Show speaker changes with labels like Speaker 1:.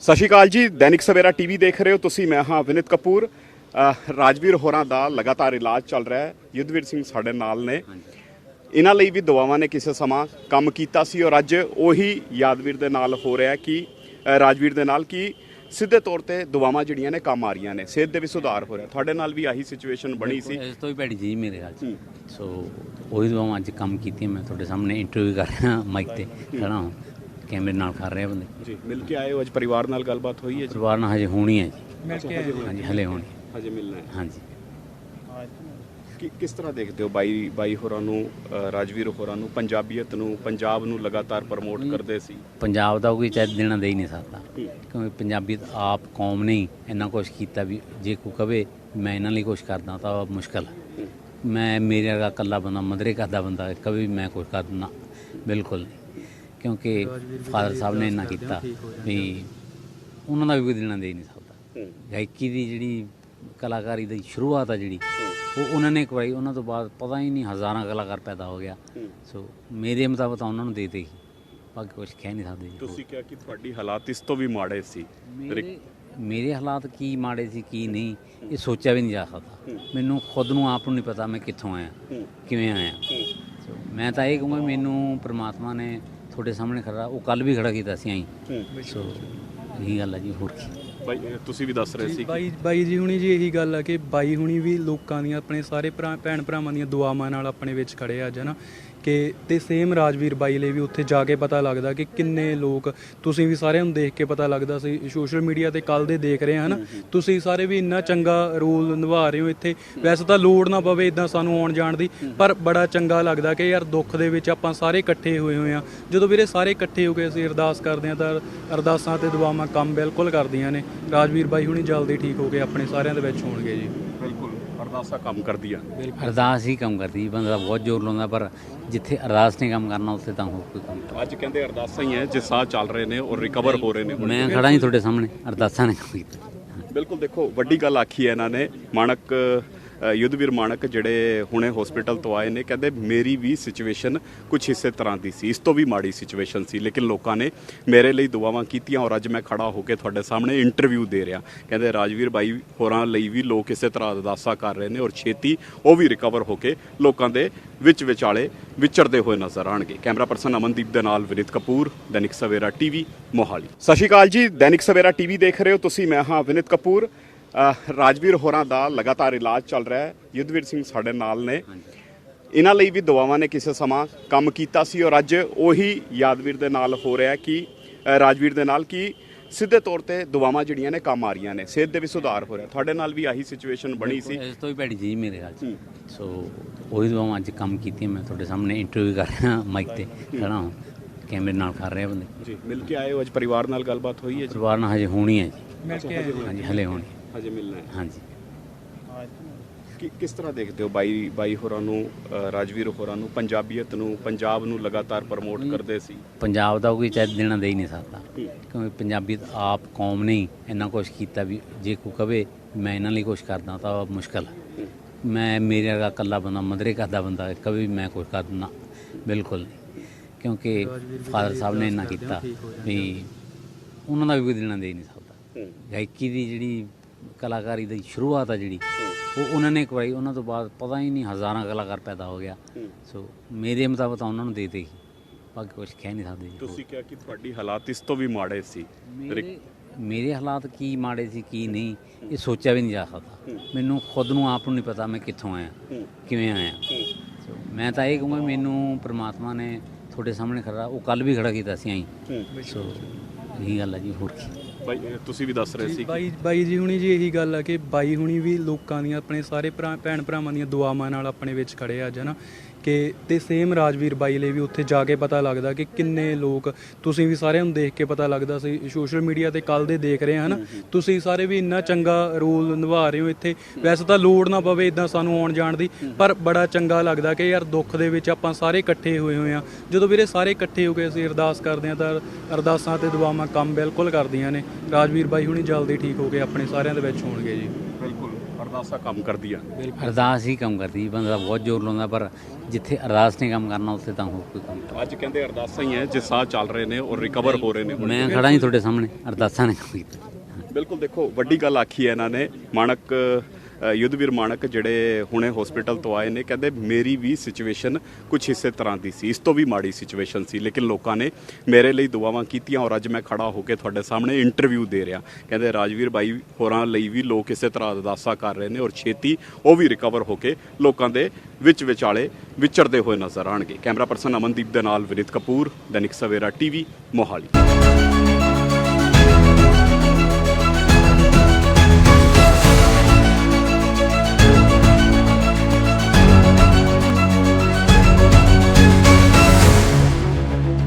Speaker 1: ਸਤਿ ਸ਼੍ਰੀ ਅਕਾਲ ਜੀ। ਦੈਨਿਕ ਸਵੇਰਾ ਟੀਵੀ ਦੇਖ ਰਹੇ ਹੋ ਤੁਸੀਂ। ਮੈਂ ਹਾਂ ਵਿਨਿਤ ਕਪੂਰ। ਰਾਜਵੀਰ ਹੋਰਾਂ ਦਾ ਲਗਾਤਾਰ ਇਲਾਜ ਚੱਲ ਰਿਹਾ ਹੈ। ਯੁੱਧਵੀਰ ਸਿੰਘ ਸਾਡੇ ਨਾਲ ਨੇ। ਇਹਨਾਂ ਲਈ ਵੀ ਦੁਆਵਾਂ ਨੇ ਕਿਸੇ ਸਮਾਂ ਕੰਮ ਕੀਤਾ ਸੀ ਔਰ ਅੱਜ ਉਹੀ ਯਾਦਵੀਰ ਦੇ ਨਾਲ ਹੋ ਰਿਹਾ ਕਿ ਰਾਜਵੀਰ ਦੇ ਨਾਲ ਕਿ ਸਿੱਧੇ ਤੌਰ ਤੇ ਦੁਆਵਾਂ ਜਿਹੜੀਆਂ ਨੇ ਕੰਮ ਆ ਰਹੀਆਂ ਨੇ, ਸਿਹਤ ਦੇ ਵੀ ਸੁਧਾਰ ਹੋ ਰਿਹਾ। ਤੁਹਾਡੇ ਨਾਲ ਵੀ ਆਹੀ ਸਿਚੁਏਸ਼ਨ ਬਣੀ ਸੀ।
Speaker 2: ਇਸ ਤੋਂ ਵੀ ਭੈੜੀ ਜੀ ਮੇਰੇ ਹਾਲ 'ਚ। ਸੋ ਉਹੀ ਦੁਆਵਾਂ ਅੱਜ ਕੰਮ ਕੀਤੀਆਂ। ਮੈਂ ਤੁਹਾਡੇ ਸਾਹਮਣੇ ਇੰਟਰਵਿਊ ਕਰ ਰਿਹਾ, ਮਾਈਕ ਤੇ ਖੜਾ ਹਾਂ, ਕੈਮਰੇ ਨਾਲ ਕਰ ਰਿਹਾ ਬੰਦੇ
Speaker 1: ਜੀ। ਮਿਲ ਕੇ ਆਏ ਹੋ ਅੱਜ, ਪਰਿਵਾਰ ਨਾਲ ਗੱਲਬਾਤ ਹੋਈ ਹੈ ਜੀ?
Speaker 2: ਪਰਿਵਾਰ ਨਾਲ ਹਜੇ ਹੋਣੀ ਹੈ ਜੀ।
Speaker 1: ਹਾਂਜੀ,
Speaker 2: ਹਲੇ ਹੋਣੀ,
Speaker 1: ਹਜੇ ਮਿਲਣਾ ਹੈ।
Speaker 2: ਹਾਂਜੀ।
Speaker 1: ਕਿਸ ਤਰ੍ਹਾਂ ਦੇਖਦੇ ਹੋ ਬਾਈ ਹੋਰਾਂ ਨੂੰ, ਰਾਜਵੀਰ ਹੋਰਾਂ ਨੂੰ, ਪੰਜਾਬੀਅਤ ਨੂੰ, ਪੰਜਾਬ ਨੂੰ ਲਗਾਤਾਰ ਪ੍ਰਮੋਟ ਕਰਦੇ ਸੀ?
Speaker 2: ਪੰਜਾਬ ਦਾ ਕੋਈ ਚਾਹ ਦੇਣਾ ਦੇ ਹੀ ਨਹੀਂ ਸਕਦਾ, ਕਿਉਂਕਿ ਪੰਜਾਬੀਅਤ ਆਪ ਕੌਮ ਨੇ ਇੰਨਾ ਕੁਛ ਕੀਤਾ ਵੀ ਜੇ ਕੋਈ ਕਵੇ ਮੈਂ ਇਹਨਾਂ ਲਈ ਕੁਛ ਕਰਦਾ ਤਾਂ ਮੁਸ਼ਕਲ ਹੈ। ਮੈਂ ਮੇਰੇ ਵਰਗਾ ਇਕੱਲਾ ਬੰਦਾ, ਮਦਰੇ ਕਰਦਾ ਬੰਦਾ ਕਦੇ ਵੀ ਮੈਂ ਕੁਛ ਕਰ ਦਿੰਦਾ, ਬਿਲਕੁਲ ਨਹੀਂ। ਕਿਉਂਕਿ ਫਾਦਰ ਸਾਹਿਬ ਨੇ ਇੰਨਾ ਕੀਤਾ ਵੀ ਉਹਨਾਂ ਦਾ ਵੀ ਕੋਈ ਦੇਣਾ ਦੇ ਹੀ ਨਹੀਂ ਸਕਦਾ। ਗਾਇਕੀ ਦੀ ਜਿਹੜੀ ਕਲਾਕਾਰੀ ਦੀ ਸ਼ੁਰੂਆਤ ਆ ਜਿਹੜੀ ਉਹ ਉਹਨਾਂ ਨੇ ਕਰਵਾਈ, ਉਹਨਾਂ ਤੋਂ ਬਾਅਦ ਪਤਾ ਹੀ ਨਹੀਂ ਹਜ਼ਾਰਾਂ ਕਲਾਕਾਰ ਪੈਦਾ ਹੋ ਗਿਆ। ਸੋ ਮੇਰੇ ਮੁਤਾਬਕ ਤਾਂ ਉਹਨਾਂ ਨੂੰ ਦੇ ਦਿੱਤੀ, ਬਾਕੀ ਕੁਝ ਕਹਿ ਨਹੀਂ ਸਕਦੇ।
Speaker 1: ਤੁਸੀਂ ਕਿਹਾ ਕਿ ਤੁਹਾਡੀ ਹਾਲਾਤ ਇਸ ਤੋਂ ਵੀ ਮਾੜੇ ਸੀ।
Speaker 2: ਮੇਰੇ ਹਾਲਾਤ ਕੀ ਮਾੜੇ ਸੀ ਕੀ ਨਹੀਂ ਇਹ ਸੋਚਿਆ ਵੀ ਨਹੀਂ ਜਾ ਸਕਦਾ। ਮੈਨੂੰ ਖੁਦ ਨੂੰ ਆਪ ਨੂੰ ਨਹੀਂ ਪਤਾ ਮੈਂ ਕਿੱਥੋਂ ਆਇਆ, ਕਿਵੇਂ ਆਇਆ। ਸੋ ਮੈਂ ਤਾਂ ਇਹ ਕਹੂੰਗਾ ਮੈਨੂੰ ਪ੍ਰਮਾਤਮਾ ਨੇ ਤੁਹਾਡੇ ਸਾਹਮਣੇ ਖੜਾ, ਉਹ ਕੱਲ ਵੀ ਖੜਾ ਕੀਤਾ ਸੀ ਆਈ। ਸੋ ਇਹੀ ਗੱਲ ਹੈ ਜੀ। ਹੋਰ ਕੀ
Speaker 1: ਬਾਈ ਤੁਸੀਂ ਵੀ ਦੱਸ ਰਹੇ ਸੀ?
Speaker 3: ਬਾਈ ਜੀ ਹੁਣੀ ਜੀ ਇਹੀ ਗੱਲ ਆ ਕਿ ਬਾਈ ਹੁਣੀ ਵੀ ਲੋਕਾਂ ਦੀਆਂ, ਆਪਣੇ ਸਾਰੇ ਭੈਣ ਭਰਾਵਾਂ ਦੀਆਂ ਦੁਆਵਾਂ ਨਾਲ ਆਪਣੇ ਵਿੱਚ ਖੜੇ ਆ ਅੱਜ ਨਾ। ਕਿ ਤੇ ਸੇਮ ਰਾਜਵੀਰ ਬਾਈ ਲਈ ਵੀ ਉੱਥੇ ਜਾ ਕੇ ਪਤਾ ਲੱਗਦਾ ਕਿ ਕਿੰਨੇ ਲੋਕ, ਤੁਸੀਂ ਵੀ ਸਾਰਿਆਂ ਨੂੰ ਦੇਖ ਕੇ ਪਤਾ ਲੱਗਦਾ ਸੀ ਸੋਸ਼ਲ ਮੀਡੀਆ ਤੇ ਕੱਲ ਦੇ ਦੇਖ ਰਹੇ ਹਨ। ਤੁਸੀਂ ਸਾਰੇ ਵੀ ਇੰਨਾ ਚੰਗਾ ਰੋਲ ਨਿਭਾ ਰਹੇ ਹੋ ਇੱਥੇ। ਵੈਸੇ ਤਾਂ ਲੋੜ ਨਾ ਪਵੇ ਇਦਾਂ ਸਾਨੂੰ ਆਉਣ ਜਾਣ ਦੀ, ਪਰ ਬੜਾ ਚੰਗਾ ਲੱਗਦਾ ਕਿ ਯਾਰ ਦੁੱਖ ਦੇ ਵਿੱਚ ਆਪਾਂ ਸਾਰੇ ਇਕੱਠੇ ਹੋਏ ਹੋਏ ਆ। ਜਦੋਂ ਵੀਰੇ ਸਾਰੇ ਇਕੱਠੇ ਹੋ ਕੇ ਅਸੀਂ ਅਰਦਾਸ ਕਰਦੇ ਹਾਂ ਤਾਂ ਅਰਦਾਸਾਂ ਤੇ ਦੁਆਵਾਂ ਕੰਮ ਬਿਲਕੁਲ ਕਰਦੀਆਂ ਨੇ। ਰਾਜਵੀਰ ਬਾਈ ਹੁਣੀ ਜਲਦੀ ਠੀਕ ਹੋ ਕੇ ਆਪਣੇ ਸਾਰਿਆਂ ਦੇ ਵਿੱਚ ਹੋਣਗੇ ਜੀ।
Speaker 1: ਬਿਲਕੁਲ, ਅਰਦਾਸਾਂ ਕੰਮ ਕਰਦੀਆਂ।
Speaker 2: ਅਰਦਾਸ ਹੀ ਕੰਮ ਕਰਦੀ, ਬੰਦਾ ਬਹੁਤ ਜ਼ੋਰ ਲਾਉਂਦਾ, ਪਰ ਜਿੱਥੇ ਅਰਦਾਸ ਨੇ ਕੰਮ ਕਰਨਾ ਉੱਥੇ ਤਾਂ ਹੋਰ ਕੋਈ ਕੰਮ।
Speaker 1: ਅੱਜ ਕਹਿੰਦੇ ਅਰਦਾਸਾਂ ਹੀ ਹੈ ਜੇ ਸਾਹ ਚੱਲ ਰਹੇ ਨੇ ਔਰ ਰਿਕਵਰ ਹੋ ਰਹੇ ਨੇ।
Speaker 2: ਮੈਂ ਖੜਾ ਹੀ ਤੁਹਾਡੇ ਸਾਹਮਣੇ, ਅਰਦਾਸਾਂ ਨੇ ਕੰਮ ਕੀਤਾ।
Speaker 1: ਬਿਲਕੁਲ, ਦੇਖੋ ਵੱਡੀ ਗੱਲ ਆਖੀ ਹੈ ਇਹਨਾਂ ਨੇ। ਮਾਣਕ ਯੁੱਧਵੀਰ ਮਾਣਕ ਜਿਹੜੇ ਹੁਣੇ ਹਸਪੀਟਲ ਤੋਂ ਆਏ ਨੇ, ਕਹਿੰਦੇ ਮੇਰੀ ਵੀ ਸਿਚੁਏਸ਼ਨ ਕੁਝ ਇਸੇ ਤਰ੍ਹਾਂ ਦੀ ਸੀ, ਇਸ ਤੋਂ ਵੀ ਮਾੜੀ ਸਿਚੁਏਸ਼ਨ ਸੀ, ਲੇਕਿਨ ਲੋਕਾਂ ਨੇ ਮੇਰੇ ਲਈ ਦੁਆਵਾਂ ਕੀਤੀਆਂ ਔਰ ਅੱਜ ਮੈਂ ਖੜਾ ਹੋ ਕੇ ਤੁਹਾਡੇ ਸਾਹਮਣੇ ਇੰਟਰਵਿਊ ਦੇ ਰਿਹਾ। ਕਹਿੰਦੇ ਰਾਜਵੀਰ ਬਾਈ ਹੋਰਾਂ ਲਈ ਵੀ ਲੋਕ ਇਸੇ ਤਰ੍ਹਾਂ ਅਰਦਾਸਾਂ ਕਰ ਰਹੇ ਨੇ ਔਰ ਛੇਤੀ ਉਹ ਵੀ ਰਿਕਵਰ ਹੋ ਕੇ ਲੋਕਾਂ ਦੇ ਵਿੱਚ ਵਿਚਾਲੇ ਵਿਚਰਦੇ ਹੋਏ ਨਜ਼ਰ ਆਉਣਗੇ। ਕੈਮਰਾ ਪਰਸਨ ਅਮਨਦੀਪ ਦੇ ਨਾਲ ਵਿਨਿਤ ਕਪੂਰ, ਦੈਨਿਕ ਸਵੇਰਾ ਟੀਵੀ, ਮੋਹਾਲੀ। ਸਤਿ ਸ਼੍ਰੀ ਅਕਾਲ ਜੀ। ਦੈਨਿਕ ਸਵੇਰਾ ਟੀਵੀ ਦੇਖ ਰਹੇ ਹੋ ਤੁਸੀਂ। ਮੈਂ ਹਾਂ ਵਿਨਿਤ ਕਪੂਰ। ਰਾਜਵੀਰ ਹੋਰਾਂ ਦਾ ਲਗਾਤਾਰ ਇਲਾਜ ਚੱਲ ਰਿਹਾ ਹੈ। ਯੁੱਧਵੀਰ ਸਿੰਘ ਸਾਡੇ ਨਾਲ ਨੇ। ਇਹਨਾਂ ਲਈ ਵੀ ਦੁਆਵਾਂ ਨੇ ਕਿਸੇ ਸਮਾਂ ਕੰਮ ਕੀਤਾ ਸੀ ਔਰ ਅੱਜ ਉਹੀ ਯਾਦਵੀਰ ਦੇ ਨਾਲ ਹੋ ਰਿਹਾ ਕਿ ਰਾਜਵੀਰ ਦੇ ਨਾਲ ਕਿ ਸਿੱਧੇ ਤੌਰ ਤੇ ਦੁਆਵਾਂ ਜਿਹੜੀਆਂ ਨੇ ਕੰਮ ਆ ਰਹੀਆਂ ਨੇ, ਸਿਹਤ ਦੇ ਵੀ ਸੁਧਾਰ ਹੋ ਰਿਹਾ। ਤੁਹਾਡੇ ਨਾਲ ਵੀ ਆਹੀ ਸਿਚੁਏਸ਼ਨ ਬਣੀ ਸੀ।
Speaker 2: ਇਸ ਤੋਂ ਵੀ ਭੈੜੀ ਜੀ ਮੇਰੇ ਹਾਲ 'ਚ। ਸੋ ਉਹੀ ਦੁਆਵਾਂ ਅੱਜ ਕੰਮ ਕੀਤੀਆਂ। ਮੈਂ ਤੁਹਾਡੇ ਸਾਹਮਣੇ ਇੰਟਰਵਿਊ ਕਰ ਰਿਹਾ, ਮਾਈਕ ਤੇ ਖੜਾ ਹਾਂ, ਕੈਮਰੇ ਨਾਲ ਕਰ ਰਿਹਾ ਬੰਦੇ
Speaker 1: ਜੀ। ਮਿਲ ਕੇ ਆਏ ਹੋ ਅੱਜ, ਪਰਿਵਾਰ ਨਾਲ ਗੱਲਬਾਤ ਹੋਈ ਹੈ ਜੀ?
Speaker 2: ਪਰਿਵਾਰ ਨਾਲ ਹਜੇ ਹੋਣੀ ਹੈ ਜੀ।
Speaker 3: ਹਾਂਜੀ,
Speaker 2: ਹਲੇ ਹੋਣੀ,
Speaker 1: ਹਜੇ ਮਿਲਣਾ ਹੈ।
Speaker 2: ਹਾਂਜੀ।
Speaker 1: ਕਿਸ ਤਰ੍ਹਾਂ ਦੇਖਦੇ ਹੋ ਬਾਈ ਹੋਰਾਂ ਨੂੰ, ਰਾਜਵੀਰ ਹੋਰਾਂ ਨੂੰ, ਪੰਜਾਬੀਅਤ ਨੂੰ, ਪੰਜਾਬ ਨੂੰ ਲਗਾਤਾਰ ਪ੍ਰਮੋਟ ਕਰਦੇ ਸੀ? ਪੰਜਾਬ
Speaker 2: ਦਾ ਕੋਈ ਚਾਹ ਦੇਣਾ ਦੇ ਹੀ ਨਹੀਂ ਸਕਦਾ, ਕਿਉਂਕਿ ਪੰਜਾਬੀਅਤ ਆਪ ਕੌਮ ਨੇ ਇੰਨਾ ਕੁਛ ਕੀਤਾ ਵੀ ਜੇ ਕੋਈ ਕਵੇ ਮੈਂ ਇਹਨਾਂ ਲਈ ਕੁਛ ਕਰਦਾ ਤਾਂ ਮੁਸ਼ਕਲ ਹੈ। ਮੈਂ ਮੇਰੇ ਵਰਗਾ ਇਕੱਲਾ ਬੰਦਾ, ਮਦਰੇ ਕਰਦਾ ਬੰਦਾ ਕਦੇ ਵੀ ਮੈਂ ਕੁਛ ਕਰ ਦਿੰਦਾ, ਬਿਲਕੁਲ ਨਹੀਂ। ਕਿਉਂਕਿ ਫਾਦਰ ਸਾਹਿਬ ਨੇ ਇੰਨਾ ਕੀਤਾ ਵੀ ਉਹਨਾਂ ਦਾ ਵੀ ਕੋਈ ਦੇਣਾ ਦੇ ਹੀ ਨਹੀਂ ਸਕਦਾ। ਗਾਇਕੀ ਦੀ ਜਿਹੜੀ ਕਲਾਕਾਰੀ ਦੀ ਸ਼ੁਰੂਆਤ ਆ ਜਿਹੜੀ ਉਹ ਉਹਨਾਂ ਨੇ ਕਰਵਾਈ, ਉਹਨਾਂ ਤੋਂ ਬਾਅਦ ਪਤਾ ਹੀ ਨਹੀਂ ਹਜ਼ਾਰਾਂ ਕਲਾਕਾਰ ਪੈਦਾ ਹੋ ਗਿਆ। ਸੋ ਮੇਰੇ ਮੁਤਾਬਕ ਤਾਂ ਉਹਨਾਂ ਨੂੰ ਦੇ ਦਿੱਤੀ, ਬਾਕੀ ਕੁਝ ਕਹਿ ਨਹੀਂ ਸਕਦੇ।
Speaker 1: ਤੁਸੀਂ ਕਿਹਾ ਕਿ ਤੁਹਾਡੀ ਹਾਲਾਤ ਇਸ ਤੋਂ ਵੀ ਮਾੜੇ ਸੀ।
Speaker 2: ਮੇਰੇ ਹਾਲਾਤ ਕੀ ਮਾੜੇ ਸੀ ਕੀ ਨਹੀਂ ਇਹ ਸੋਚਿਆ ਵੀ ਨਹੀਂ ਜਾ ਸਕਦਾ। ਮੈਨੂੰ ਖੁਦ ਨੂੰ ਆਪ ਨੂੰ ਨਹੀਂ ਪਤਾ ਮੈਂ ਕਿੱਥੋਂ ਆਇਆ, ਕਿਵੇਂ ਆਇਆ। ਸੋ ਮੈਂ ਤਾਂ ਇਹ ਕਹੂੰਗਾ ਮੈਨੂੰ ਪ੍ਰਮਾਤਮਾ ਨੇ ਤੁਹਾਡੇ ਸਾਹਮਣੇ ਖੜਾ, ਉਹ ਕੱਲ ਵੀ ਖੜਾ ਕੀਤਾ ਸੀ ਆਈ। ਸੋ ਇਹੀ ਗੱਲ ਹੈ ਜੀ। ਹੋਰ ਕੀ
Speaker 1: ਬਾਈ ਤੁਸੀਂ ਵੀ ਦੱਸ ਰਹੇ ਸੀ?
Speaker 3: ਬਾਈ ਜੀ ਹੁਣੀ ਜੀ ਇਹੀ ਗੱਲ ਆ ਕਿ ਬਾਈ ਹੁਣੀ ਵੀ ਲੋਕਾਂ ਦੀਆਂ, ਆਪਣੇ ਸਾਰੇ ਭੈਣ ਭਰਾਵਾਂ ਦੀਆਂ ਦੁਆਵਾਂ ਨਾਲ ਆਪਣੇ ਵਿੱਚ ਖੜੇ ਆ ਅੱਜ ਨਾ। ਕਿ ਤੇ ਸੇਮ ਰਾਜਵੀਰ ਬਾਈ ਲਈ ਵੀ ਉੱਥੇ ਜਾ ਕੇ ਪਤਾ ਲੱਗਦਾ ਕਿ ਕਿੰਨੇ ਲੋਕ, ਤੁਸੀਂ ਵੀ ਸਾਰਿਆਂ ਨੂੰ ਦੇਖ ਕੇ ਪਤਾ ਲੱਗਦਾ ਸੀ ਸੋਸ਼ਲ ਮੀਡੀਆ ਤੇ ਕੱਲ ਦੇ ਦੇਖ ਰਹੇ ਹਨ। ਤੁਸੀਂ ਸਾਰੇ ਵੀ ਇੰਨਾ ਚੰਗਾ ਰੋਲ ਨਿਭਾ ਰਹੇ ਹੋ ਇੱਥੇ। ਵੈਸੇ ਤਾਂ ਲੋੜ ਨਾ ਪਵੇ ਇਦਾਂ ਸਾਨੂੰ ਆਉਣ ਜਾਣ ਦੀ, ਪਰ ਬੜਾ ਚੰਗਾ ਲੱਗਦਾ ਕਿ ਯਾਰ ਦੁੱਖ ਦੇ ਵਿੱਚ ਆਪਾਂ ਸਾਰੇ ਇਕੱਠੇ ਹੋਏ ਹੋਏ ਆ। ਜਦੋਂ ਵੀਰੇ ਸਾਰੇ ਇਕੱਠੇ ਹੋ ਕੇ ਅਸੀਂ ਅਰਦਾਸ ਕਰਦੇ ਹਾਂ ਤਾਂ ਅਰਦਾਸਾਂ ਤੇ ਦੁਆਵਾਂ ਕੰਮ ਬਿਲਕੁਲ ਕਰਦੀਆਂ ਨੇ। ਰਾਜਵੀਰ ਬਾਈ ਹੁਣੀ ਜਲਦੀ ਠੀਕ ਹੋ ਕੇ ਆਪਣੇ ਸਾਰਿਆਂ ਦੇ ਵਿੱਚ ਹੋਣਗੇ ਜੀ।
Speaker 1: ਬਿਲਕੁਲ, ਅਰਦਾਸਾਂ ਕੰਮ ਕਰਦੀਆਂ ਨੇ।
Speaker 2: ਅਰਦਾਸ ਹੀ ਕੰਮ ਕਰਦੀ ਬੰਦਾ ਬਹੁਤ ਜ਼ੋਰ ਲਾਉਂਦਾ, ਪਰ ਜਿੱਥੇ ਅਰਦਾਸ ਨੇ ਕੰਮ ਕਰਨਾ ਉੱਥੇ ਤਾਂ ਹੋਰ ਕੋਈ ਕੰਮ ਨਹੀਂ।
Speaker 1: ਅੱਜ ਕਹਿੰਦੇ ਅਰਦਾਸਾਂ ਹੀ ਹੈ ਜੇ ਸਾਹ ਚੱਲ ਰਹੇ ਨੇ ਔਰ ਰਿਕਵਰ ਹੋ ਰਹੇ ਨੇ ਹੁਣ।
Speaker 2: ਮੈਂ ਖੜਾ ਹੀ ਤੁਹਾਡੇ ਸਾਹਮਣੇ, ਅਰਦਾਸਾਂ ਨੇ ਕੰਮ ਕੀਤਾ।
Speaker 1: ਬਿਲਕੁਲ ਦੇਖੋ ਵੱਡੀ ਗੱਲ ਆਖੀ ਹੈ ਇਹਨਾਂ ਨੇ। ਮਾਣਕ ਯੁੱਧਵੀਰ ਮਾਣਕ ਜਿਹੜੇ ਹੁਣੇ ਹਸਪੀਟਲ ਤੋਂ ਆਏ ਨੇ, ਕਹਿੰਦੇ ਮੇਰੀ ਵੀ ਸਿਚੁਏਸ਼ਨ ਕੁਝ ਇਸੇ ਤਰ੍ਹਾਂ ਦੀ ਸੀ, ਇਸ ਤੋਂ ਵੀ ਮਾੜੀ ਸਿਚੁਏਸ਼ਨ ਸੀ, ਲੇਕਿਨ ਲੋਕਾਂ ਨੇ ਮੇਰੇ ਲਈ ਦੁਆਵਾਂ ਕੀਤੀਆਂ ਔਰ ਅੱਜ ਮੈਂ ਖੜਾ ਹੋ ਕੇ ਤੁਹਾਡੇ ਸਾਹਮਣੇ ਇੰਟਰਵਿਊ ਦੇ ਰਿਹਾ। ਕਹਿੰਦੇ ਰਾਜਵੀਰ ਬਾਈ ਹੋਰਾਂ ਲਈ ਵੀ ਲੋਕ ਇਸੇ ਤਰ੍ਹਾਂ ਅਰਦਾਸਾਂ ਕਰ ਰਹੇ ਨੇ ਔਰ ਛੇਤੀ ਉਹ ਵੀ ਰਿਕਵਰ ਹੋ ਕੇ ਲੋਕਾਂ ਦੇ ਵਿੱਚ ਵਿਚਾਲੇ ਵਿਚਰਦੇ ਹੋਏ ਨਜ਼ਰ ਆਉਣਗੇ। ਕੈਮਰਾ ਪਰਸਨ ਅਮਨਦੀਪ ਦੇ ਨਾਲ ਵਿਨੀਤ ਕਪੂਰ, ਦੈਨਿਕ ਸਵੇਰਾ ਟੀਵੀ, ਮੋਹਾਲੀ।